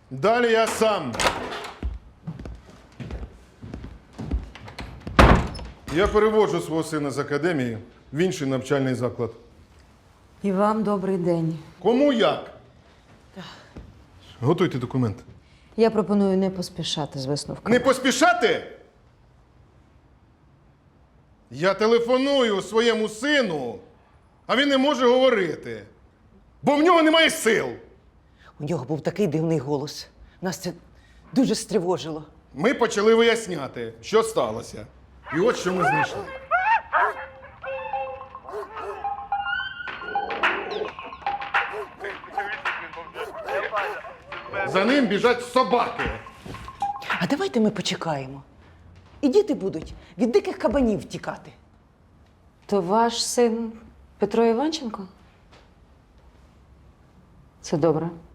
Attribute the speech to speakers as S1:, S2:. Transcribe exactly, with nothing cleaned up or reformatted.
S1: Далі я сам. Я переводжу свого сина з академії в інший навчальний заклад.
S2: І вам добрий день.
S1: Кому як? Готуйте документи.
S2: Я пропоную не поспішати з висновками.
S1: Не поспішати? Я телефоную своєму сину, а він не може говорити, бо в нього немає сил.
S3: У нього був такий дивний голос. Нас це дуже стривожило.
S1: Ми почали виясняти, що сталося. І от що ми знайшли. За ним біжать собаки.
S3: А давайте ми почекаємо. І діти будуть від диких кабанів тікати.
S2: То ваш син Петро Іванченко? Це добре.